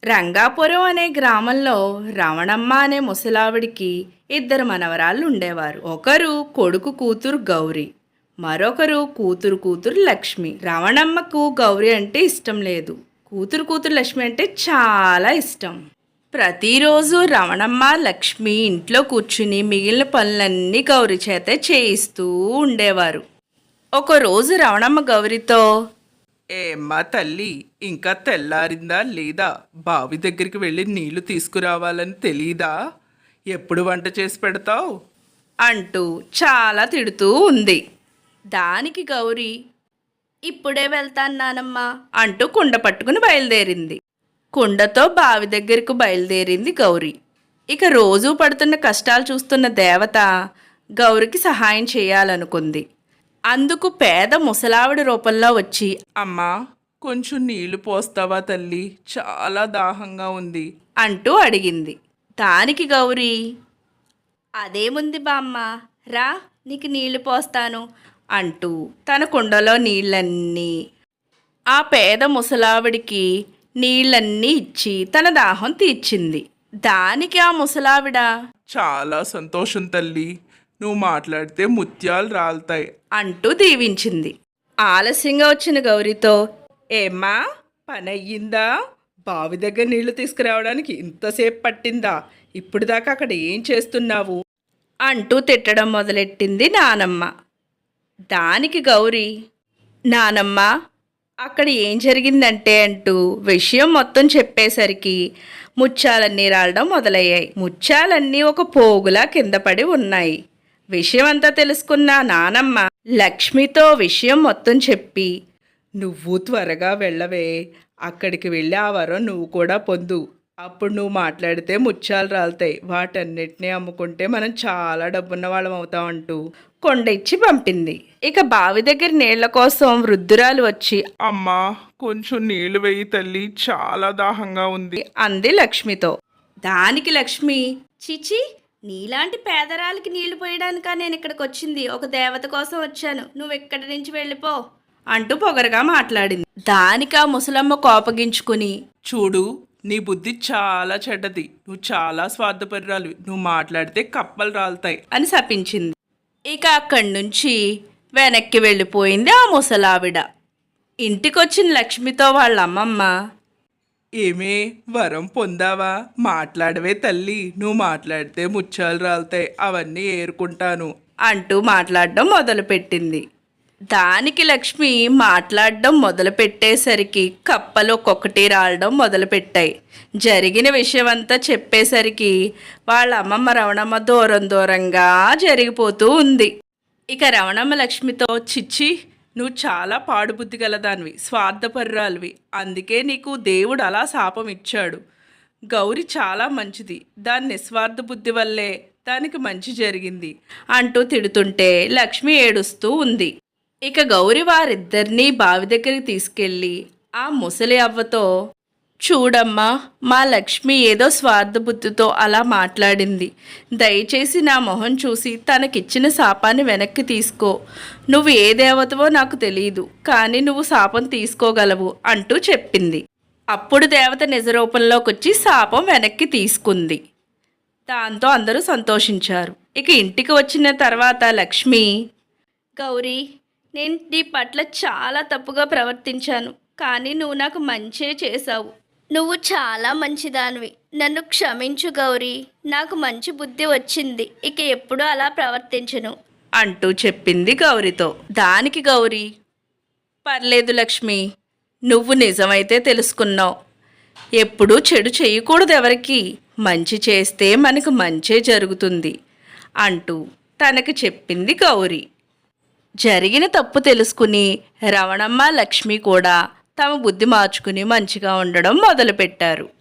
రంగాపురం అనే గ్రామంలో రమణమ్మ అనే ముసలావిడికి ఇద్దరు మనవరాళ్ళు ఉండేవారు. ఒకరు కొడుకు కూతురు గౌరి, మరొకరు కూతురు లక్ష్మి. రమణమ్మకు గౌరి అంటే ఇష్టం లేదు, కూతురు లక్ష్మి అంటే చాలా ఇష్టం. ప్రతిరోజు రమణమ్మ లక్ష్మి ఇంట్లో కూర్చుని మిగిలిన పనులన్నీ గౌరి చేత చేయిస్తూ ఉండేవారు. ఒకరోజు రమణమ్మ గౌరితో, ఏమ్మా తల్లి, ఇంకా తెల్లారిందా లేదా? బావి దగ్గరికి వెళ్ళి నీళ్లు తీసుకురావాలని తెలీదా? ఎప్పుడు వంట చేసి పెడతావు అంటూ చాలా తిడుతూ ఉంది. దానికి గౌరి, ఇప్పుడే వెళ్తాను నానమ్మ అంటూ కుండ పట్టుకుని బయలుదేరింది. కుండతో బావి దగ్గరకు బయలుదేరింది గౌరి. ఇక రోజూ పడుతున్న కష్టాలు చూస్తున్న దేవత గౌరికి సహాయం చేయాలనుకుంది. అందుకు పేద ముసలావిడ రూపంలో వచ్చి, అమ్మా, కొంచెం నీళ్లు పోస్తావా తల్లి? చాలా దాహంగా ఉంది అంటూ అడిగింది. దానికి గౌరి, అదేముంది బామ్మ, రా నీకు నీళ్లు పోస్తాను అంటూ తన కుండలో నీళ్ళన్నీ ఆ పేద ముసలావిడికి నీళ్ళన్నీ ఇచ్చి తన దాహం తీర్చింది. దానికి ఆ ముసలావిడ, చాలా సంతోషం తల్లి, నువ్వు మాట్లాడితే ముత్యాలు రాలుతాయి అంటూ దీవించింది. ఆలస్యంగా వచ్చిన గౌరితో, ఏమ్మా, పని అయ్యిందా? బావి దగ్గర నీళ్లు తీసుకురావడానికి ఇంతసేపు పట్టిందా? ఇప్పుడు దాకా అక్కడ ఏం చేస్తున్నావు అంటూ తిట్టడం మొదలెట్టింది నానమ్మ. దానికి గౌరి, నానమ్మ, అక్కడ ఏం జరిగిందంటే అంటూ విషయం మొత్తం చెప్పేసరికి ముత్యాలన్నీ రాలడం మొదలయ్యాయి. ముత్యాలన్నీ ఒక పోగులా కింద పడి ఉన్నాయి. విషయం అంతా తెలుసుకున్న నానమ్మ లక్ష్మితో విషయం మొత్తం చెప్పి, నువ్వు త్వరగా వెళ్ళవే, అక్కడికి వెళ్ళి ఆ వరం నువ్వు కూడా పొందు. అప్పుడు నువ్వు మాట్లాడితే ముత్యాలు రాలుతాయి, వాటన్నిటినీ అమ్ముకుంటే మనం చాలా డబ్బున్న వాళ్ళం అవుతాం అంటూ కొండ ఇచ్చి పంపింది. ఇక బావి దగ్గర నీళ్ల కోసం వృద్ధురాలు వచ్చి, అమ్మా, కొంచెం నీళ్లు వేయి తల్లి, చాలా దాహంగా ఉంది అంది లక్ష్మితో. దానికి లక్ష్మి, చిచి, నీలాంటి పేదరాలకి నీళ్లు పోయడానికా నేను ఇక్కడికి వచ్చింది? ఒక దేవత కోసం వచ్చాను, నువ్వు ఇక్కడి నుంచి వెళ్ళిపో అంటూ పొగరగా మాట్లాడింది. దానికి ఆ ముసలమ్మ కోపగించుకుని, చూడు, నీ బుద్ధి చాలా చెడ్డది, నువ్వు చాలా స్వార్థపరురాలు, నువ్వు మాట్లాడితే కప్పలు రాలుతాయి అని శపించింది. ఇక అక్కడి నుంచి వెనక్కి వెళ్ళిపోయింది ఆ ముసలావిడ. ఇంటికొచ్చిన లక్ష్మితో వాళ్ళ అమ్మమ్మ, ఏమే, వరం పొందావా? మాట్లాడవే తల్లి, నువ్వు మాట్లాడితే ముత్యాలు రాలుతాయి, అవన్నీ ఏరుకుంటాను అంటూ మాట్లాడడం మొదలుపెట్టింది. దానికి లక్ష్మి మాట్లాడడం మొదలుపెట్టేసరికి కప్పలు ఒక్కొక్కటి రాలడం మొదలుపెట్టాయి. జరిగిన విషయమంతా చెప్పేసరికి వాళ్ళ అమ్మమ్మ రవణమ్మ దూరంగా జరిగిపోతూ ఉంది. ఇక రవణమ్మ లక్ష్మితో, చిచ్చి, నువ్వు చాలా పాడుబుద్ధి గలదానివి, స్వార్థపరురాలివి, అందుకే నీకు దేవుడు అలా శాపం ఇచ్చాడు. గౌరి చాలా మంచిది, దాని నిస్వార్థ బుద్ధి వల్లే దానికి మంచి జరిగింది అంటూ తిడుతుంటే లక్ష్మి ఏడుస్తూ ఉంది. ఇక గౌరి వారిద్దరినీ బావి దగ్గరికి తీసుకెళ్ళి ఆ ముసలి అవ్వతో, చూడమ్మా, మా లక్ష్మి ఏదో స్వార్థ బుద్ధితో అలా మాట్లాడింది, దయచేసి నా మొహం చూసి తనకిచ్చిన శాపాన్ని వెనక్కి తీసుకో. నువ్వు ఏ దేవతవో నాకు తెలియదు, కానీ నువ్వు శాపం తీసుకోగలవు అంటూ చెప్పింది. అప్పుడు దేవత నిజరూపంలోకి వచ్చి శాపం వెనక్కి తీసుకుంది. దాంతో అందరూ సంతోషించారు. ఇక ఇంటికి వచ్చిన తర్వాత లక్ష్మి, గౌరీ, నేను నీ పట్ల చాలా తప్పుగా ప్రవర్తించాను, కానీ నువ్వు నాకు మంచే చేశావు. నువ్వు చాలా మంచిదానివి, నన్ను క్షమించు గౌరీ, నాకు మంచి బుద్ధి వచ్చింది, ఇక ఎప్పుడూ అలా ప్రవర్తించను అంటూ చెప్పింది గౌరితో. దానికి గౌరీ, పర్లేదు లక్ష్మి, నువ్వు నిజమైతే తెలుసుకున్నావు, ఎప్పుడూ చెడు చేయకూడదు, ఎవరికి మంచి చేస్తే మనకు మంచే జరుగుతుంది అంటూ తనకు చెప్పింది గౌరీ. జరిగిన తప్పు తెలుసుకుని రవణమ్మ లక్ష్మి కూడా తమ బుద్ధి మార్చుకుని మంచిగా ఉండడం మొదలుపెట్టారు.